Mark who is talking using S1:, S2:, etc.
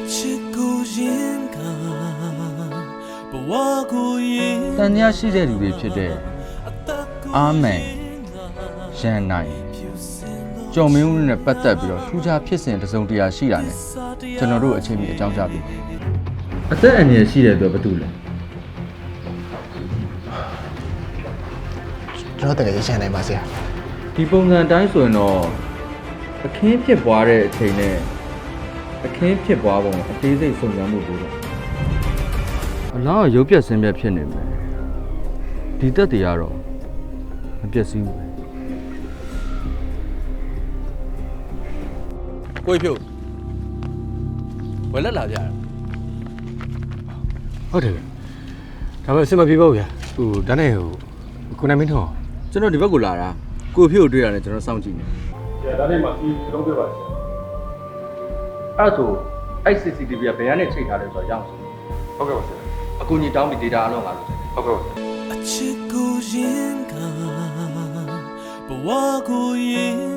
S1: တန်တရားရှိတဲ့လူတွေဖြစ်တဲ့အာမန်ရန်နိုင်ကျော်မင်းဦးနဲ့ပတ်သက်ပြီးတော့ထူးခြားဖြစ်စဉ်တစ်စုံတရာရှိတာနဲ့ကျွန်တော်တို့အချိန်မီအကြောင်းကြားပြီအသက်အန္တရာယ်ရှိတဲ့အတွက်ဘာတူလဲ
S2: ကျွန်တော်တကယ်ရန်နိုင်ပါဆရာ
S1: ဒီပုံစံတိုင်းဆိုရင်တော့အခင်းဖြစ်ပွားတဲ့အချိန်နဲ့အခင်းဖြစ်ပွားပုံအသေးစိတ်စုံစမ်းမှုပို့တော့အလားရုပ်ပြက်ဆင်းပြက်ဖြစ်နေမယ်ဒီတက်တွေကတော့မပြက်စီးဘူး
S3: ကိုဖြို့ဝယ်လက်လာကြတယ်
S2: ဟုတ်တယ်ဒါပေမဲ့အဆင်မပြေပါဘူးဗျာဟိုဒါနဲ့ဟိုကိုနိုင်မင်းတော့
S1: ကျွန်တော်ဒီဘက်ကိုလာတာကိုဖြို့တွေ့ရတယ်ကျွန်တော်စောင့်ကြည့်နေ
S4: ဒါနဲ့မှဒီလုံးပြပါဆရာ
S1: အဲ့ဆိုအဲ့ CCTV ကဘယ်ကနေချိန်ထားလဲဆိုတော့ရအောင်ဆို
S4: ဟုတ်ကဲ့ပါဆရာ
S1: အကူကြီးတောင်းပြီး data အလုံးငါလို့
S4: ဟုတ်ကဲ့ပါ
S5: အချစ်ကိုရင်ကဘဝကိုရင်